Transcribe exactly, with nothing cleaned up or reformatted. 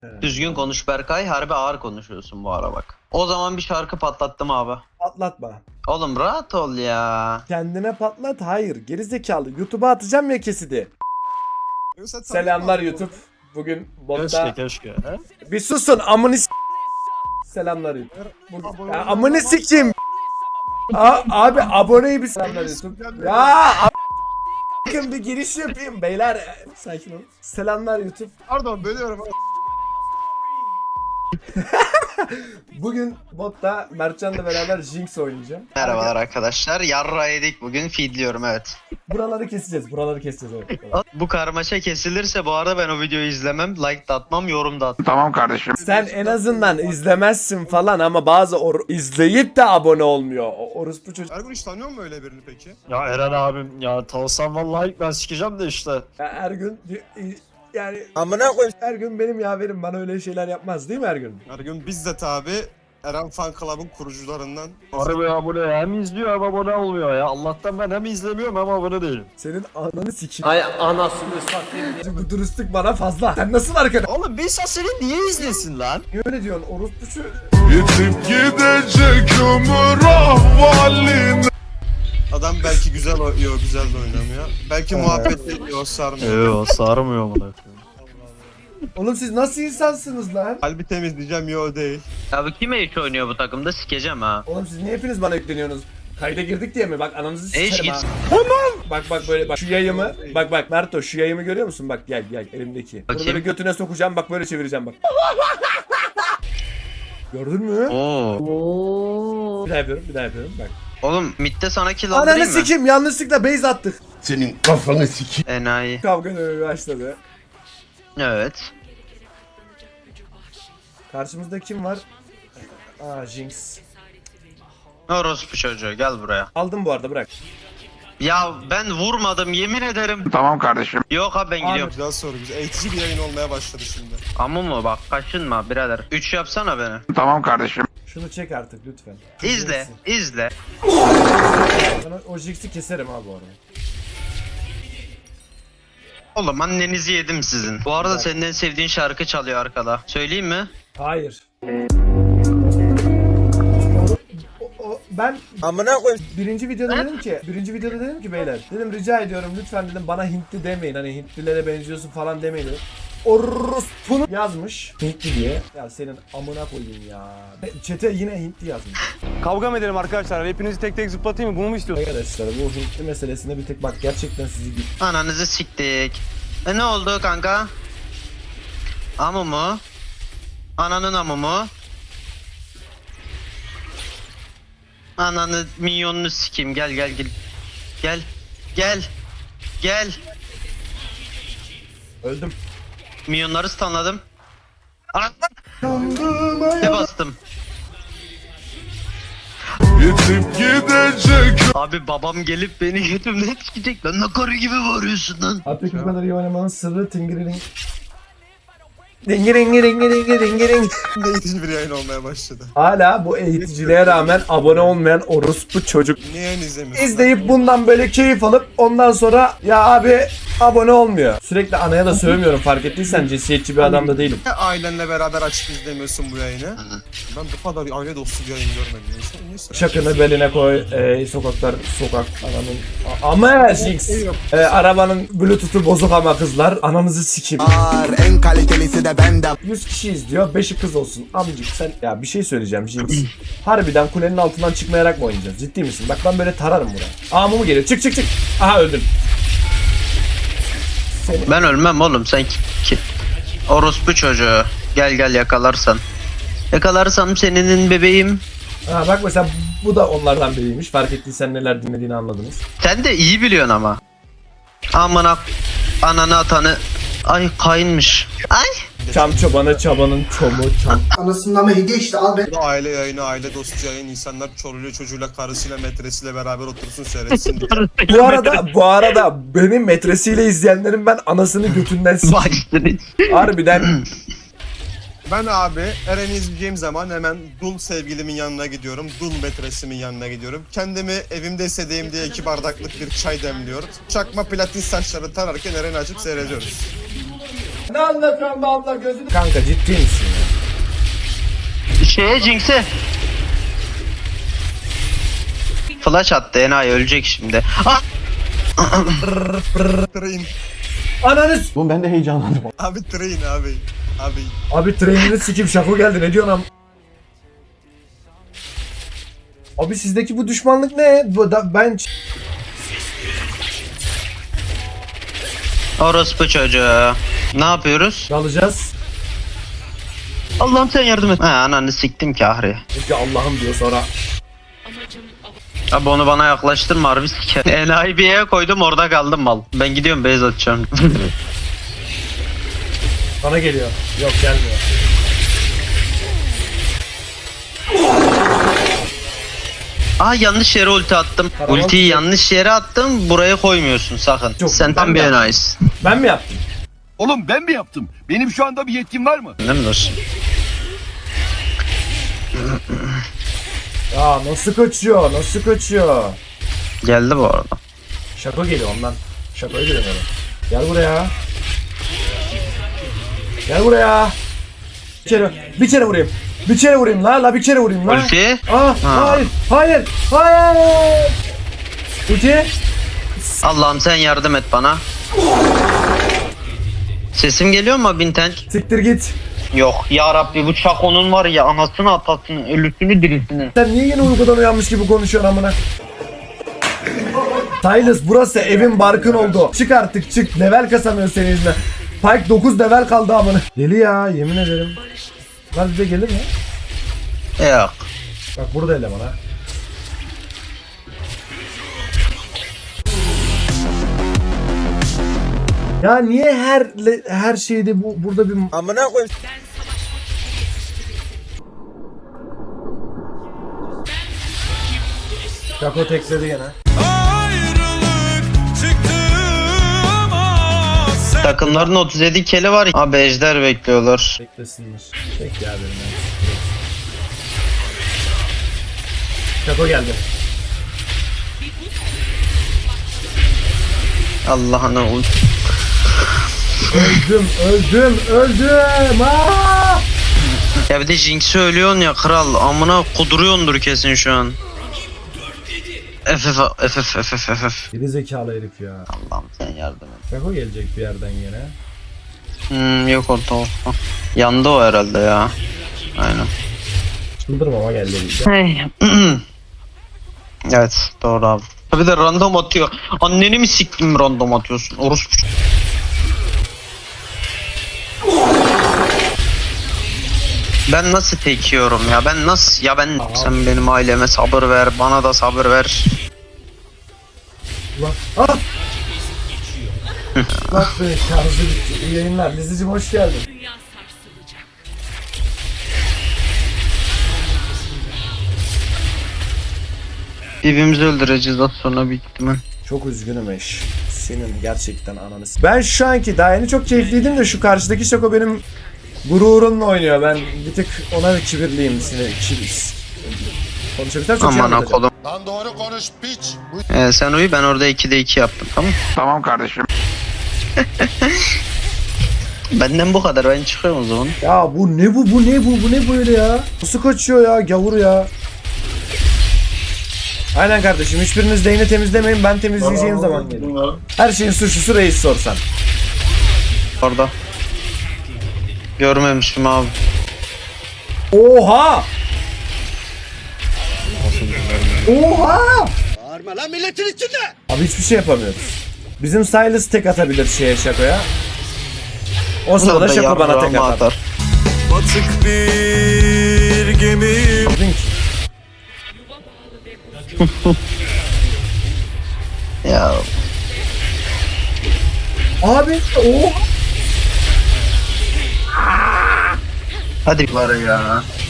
Evet. Düzgün konuş Berkay. Harbi ağır konuşuyorsun bu ara bak. O zaman bir şarkı patlattım abi. Patlatma. Oğlum rahat ol ya. Kendine patlat. Hayır. Gerizekalı. YouTube'a atacağım ya kesidi. Yoksa Selamlar tanıdım YouTube. Bugün Keşke botta... keşke. He? Bir susun amını s- Selamlar YouTube. Bu... Abone Ya, olma- amını sikeyim. A- abi aboneyi bir selamlar YouTube. Ya Bakın bir giriş yapayım beyler. Sakin ol. Selamlar YouTube. Pardon bölüyorum. Bugün botta Mertcan'la beraber Jinx oynayacağım. Merhabalar arkadaşlar. Yarra yedik bugün. Feedliyorum evet. Buraları keseceğiz. Buraları keseceğiz. Evet. Bu karmaşa kesilirse bu arada ben o videoyu izlemem. Like da atmam, yorum da atmam. Tamam kardeşim. Sen en azından izlemezsin falan ama bazı or- izleyip de abone olmuyor. O orospu çocuk. Ergun hiç tanıyor musun öyle birini peki? Ya Eren abim ya tanısam vallahi ilk ben sikeceğim de işte. Ya her gün yani amına koyayım. Her gün benim yaverim bana öyle şeyler yapmaz değil mi her gün? Ergun bizzat abi Eren Fan Club'ın kurucularından. Harbi abone hem izliyor hem abone olmuyor ya. Allah'tan ben hem izlemiyorum hem abone değilim. Senin ananı sikeyim. Ay anasını satayım. Bu dürüstlük bana fazla. Sen nasıl arkadaş? Oğlum bir insan seni niye izlesin lan? Niye öyle diyorsun orospu şu? Yitip gidecek ömür ahvalin. Adam belki güzel oynuyor, güzel de oynamıyor. Belki muhabbet ediyor, sarmıyor. Eee sarmıyor bana. Oğlum siz nasıl insansınız lan? Kalbi temizleyeceğim, yo değil. Abi kime hiç oynuyor bu takımda sikeceğim ha. Oğlum siz niye hepiniz bana yükleniyorsunuz? Kayda girdik diye mi? Bak ananızı Eş sikerim git. ha. Bak bak böyle bak şu yayımı. Bak bak Merto şu yayımı görüyor musun? Bak gel gel elimdeki. Bunu Bakayım. böyle götüne sokacağım bak böyle çevireceğim bak. Gördün mü? Oo. Bir daha yapıyorum bir daha yapıyorum bak. Oğlum midde sana kill Ananı aldırayım mı? sikeyim yanlışlıkla base attık. Senin kafanı sikeyim. Enayi. Kavga dövmeye başladı. Evet. Karşımızda kim var? Aa Jinx. Orospu çocuğu gel buraya. Aldım bu arada bırak. Ya ben vurmadım yemin ederim. Tamam kardeşim. Yok abi ben gidiyorum. Güzel soru, güzel. Eğitici bir yayın olmaya başladı şimdi. Ama mı bak kaçınma birader. üç yapsana beni. Tamam kardeşim. Şunu çek artık lütfen. İzle, izle. Sana o Jinx'i keserim ha bu arada. Oğlum annenizi yedim sizin. Bu arada senin en sevdiğin şarkı çalıyor arkada. Söyleyeyim mi? Hayır. O, o, ben amına koyayım. Birinci videoda dedim ki, birinci videoda dedim ki beyler, dedim rica ediyorum lütfen dedim bana Hintli demeyin. Hani Hintlilere benziyorsun falan demeyin dedim. Orospunu yazmış Hintli diye. Ya senin amına koyayım ya. Çete yine Hintli yazmış. Kavga mı edelim arkadaşlar? Hepinizi tek tek zıplatayım mı? Bunu mu istiyorsunuz? Arkadaşlar bu Hintli meselesinde bir tek bak gerçekten sizi bir Ananızı siktik. E ne oldu kanka? Amı mı? Ananın amı mı? Ananı minyonunu sikeyim gel gel gel. Gel. Gel. Gel. öldüm. Minyonları stunladım. Ne bastım? Yitip gidecek. Abi babam gelip beni götümden sikecek. Lan ne karı gibi bağırıyorsun lan. Artık bu kadar iyi oynamanın sırrı tingiriring. Dingiringi dingi dingi dingiring. Şimdi eğitici bir yayın olmaya başladı. Hala bu eğiticiliğe rağmen abone olmayan orospu çocuk. Niye yayın izlemiyorsun? İzleyip bundan böyle keyif alıp ondan sonra ya abi abone olmuyor. Sürekli anaya da sövmüyorum fark ettiysen cinsiyetçi bir adam da değilim. Niye ailenle beraber açıp izlemiyorsun bu yayını? Ben bu kadar aile dostu bir yayın görmedim. Neyse, neyse. Şakını beline koy, e, sokaklar sokak ananın A- ama Jinx e, arabanın bluetooth'u bozuk ama kızlar ananızı sikeyim. En kalitelisi de benden. yüz kişi izliyor beşi kız olsun amcık sen ya bir şey söyleyeceğim Jinx. Harbiden kulenin altından çıkmayarak mı oynayacağız ciddi misin? Bak ben böyle tararım buraya. Aa Mumu geliyor çık çık çık. Aha öldüm. Ben ölmem oğlum sen ki, ki. Orospu çocuğu. Gel gel yakalarsan. Yakalarsam senin bebeğim. Ha bak mesela bu da onlardan biriymiş. Fark ettiysen neler dinlediğini anladınız. Sen de iyi biliyorsun ama. Amına ananı atanı. Ay kayınmış. Ay. Çam çobanı çabanın çomu çam. Anasından mı hediye işte al be. Bu aile yayını, aile dostu yayın, insanlar çoluğuyla çocuğuyla, karısıyla, metresiyle beraber otursun seyretsin diye. Bu arada bu arada benim metresiyle izleyenlerin ben anasını götünden s***. Başladın. Harbiden Ben abi Eren'i izleyeceğim zaman hemen dul sevgilimin yanına gidiyorum. Dul metresimin yanına gidiyorum. Kendimi evimde hissedeyim diye iki bardaklık bir çay demliyorum. Çakma platin saçları tararken Eren'i açıp seyrediyoruz. Ne anlatıyorsun be abla gözünü? Kanka ciddi misin ya? Şeye Jinx'e. Flash attı enayi ölecek şimdi. Ah! Train. Ananız. Oğlum ben de heyecanlandım. Abi train abi. Abi. Abi trenini sikim şako geldi ne diyorsun am? Abi sizdeki bu düşmanlık ne? Bu da ben Orospu çocuğu. Ne yapıyoruz? alacağız. Allah'ım sen yardım et. Ha ananı siktim ki ahri. Çünkü Allah'ım diyor sonra. Abi onu bana yaklaştırma harbi siker. Enayi bir yere koydum orada kaldım mal. Ben gidiyorum base atacağım. Bana geliyor. Yok gelmiyor. Aa yanlış yere ulti attım. Karavol Ultiyi tutuyor. yanlış yere attım. Buraya koymuyorsun sakın. Yok, Sen ben tam bir de- enayisin. Ben mi yaptım? Oğlum ben mi yaptım? Benim şu anda bir yetkim var mı? Değil mi dostum? Ya nasıl kaçıyor? Nasıl kaçıyor? Geldi bu arada. Şako geliyor ondan. Şakoya geliyor böyle. Gel buraya. Gel buraya. Bir kere, bir kere vurayım. Bir kere vurayım la la bir kere vurayım la. Ulti. Aa, Ha. hayır, hayır, hayır. Ulti. Allah'ım sen yardım et bana. Sesim geliyor mu Binten? Siktir git. Yok ya Rabbi bu Çako'nun var ya anasını atasını ölüsünü dirisini. Sen niye yine uykudan uyanmış gibi konuşuyorsun amına? Silas burası evin barkın oldu. Çık artık çık. Level kasamıyor senin yüzünden. Pike dokuz level kaldı amına. Deli ya yemin ederim. Lan bize gelir mi? Yok. Bak burada eleman ha. Ya niye her le- her şeyde bu burada bir amına koyayım. Kako tekledi gene. Takımların otuz yedi keli var. Abi ejder bekliyorlar. Beklesinler. Bekle ya benim. Kako geldi. Allah'ına ul. Öldüm, öldüm, öldüm. Aa! Ya bir de Jinx'i ölüyorsun ya kral. Amına kuduruyordur kesin şu an. F F F F F F F. Geri zekalı herif ya. Allah'ım sen yardım et. Kako gelecek bir yerden yine. Hmm, yok orta orta. Yandı o herhalde ya. Aynen. Çıldırmama geldi bize. Hey. Evet doğru abi. Bir de random atıyor. Anneni mi siktim random atıyorsun? Orospu. Ben nasıl tek yiyorum ya? Ben nasıl? Ya ben sen benim aileme sabır ver, bana da sabır ver. Ulan. Ah! Bak be şarjı bitti. İyi yayınlar. Lizicim hoş geldin. Birbirimizi öldüreceğiz az sonra büyük ihtimal. Çok üzgünüm eş. Senin gerçekten ananı s- Ben şu anki daha yeni çok keyifliydim de şu karşıdaki Şako benim gururumla oynuyor. Ben bir tık ona kibirliyim. Sinir, kibir. Konuşabilirsem çok şey Aman anlatacağım. akolum. Lan doğru konuş piç. Ee, sen uyu ben orada ikide iki yaptım tamam. Tamam kardeşim. Benden bu kadar ben çıkıyorum o zaman. Ya bu ne bu bu ne bu bu ne böyle ya? Nasıl kaçıyor ya gavur ya? Aynen kardeşim hiçbiriniz değini temizlemeyin ben temizleyeceğim zaman gelir. Her şeyin suçlusu reis sorsan. Orada. Görmemişim abi. Oha! Oha! Bağırma lan milletin içinde. Abi hiçbir şey yapamıyoruz. Bizim Silas tek atabilir şeye Şako'ya. O sırada Şako bana tek atar. Batık bir gemi. Link. Ya Abi oha! hadi var ya.